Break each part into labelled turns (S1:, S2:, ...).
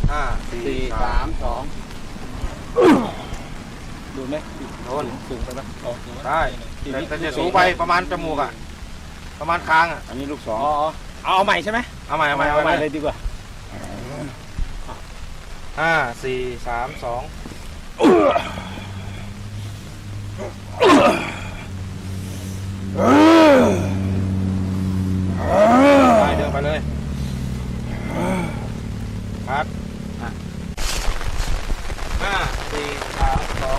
S1: 5 4 3
S2: ดูไหม
S1: 2โดน
S2: สูงไปไหม
S1: ได้แต่จะสูงไปประมาณจมูกประมาณคาง
S2: อันนี้ลูก2เอาใหม่ใช่ไหม
S1: เอาใหม่
S2: เลยดีกว่า
S1: 5 4 3 2ไปเดินไปเลยคัด5 4 3 2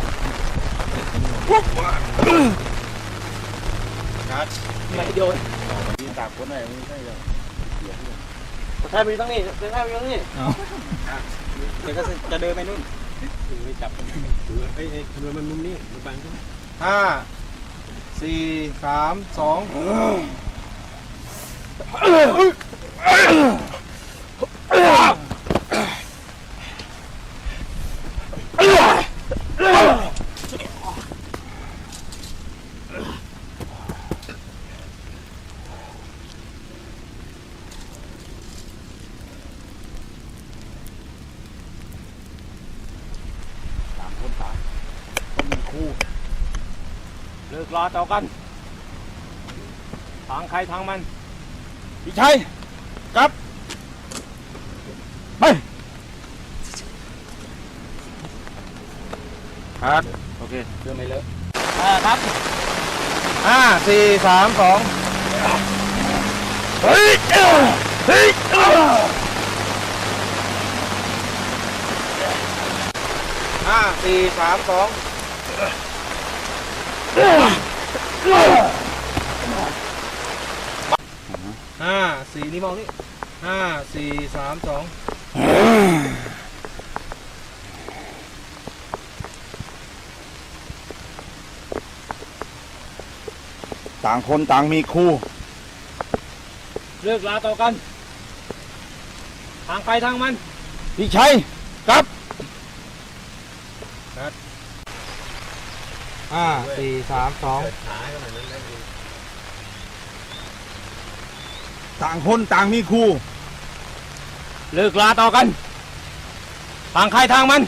S1: คัด
S2: ไม่โยนมีตากคนไหนไม่ใช่เลยใช่ไปตั้งนี่ใช่ไปตั้งนี่เดี๋ยวก็จะเดินไปนู่นไปจับเฮ้ยทำไมมันมุมนี้มันบังขึ้น
S1: 5 4 3 2
S2: คนตายคนมีคู่เลิกรอต่อกันทางใครทางมันพี่ชัยกลับไป
S1: คัดโอเค
S2: เดินไม่เลอะครับ
S1: 5 4 3 2เฮ้ยเฮ้ย5 4 3 2 5 4นี่มองนี่5 4 3 2
S2: ต่างคนต่างมีคู่เลิกลาต่อกันทางไปทางมันพี่ชัยกลับ
S1: 5 4 3 2
S2: ต่างคนต่างมีคู่เลิกลาต่อกันทางใครทางมัน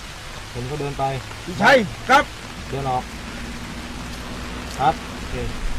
S1: ผมก็เดินไป
S2: พี่ชัยครับ
S1: เดินออกครับโอเค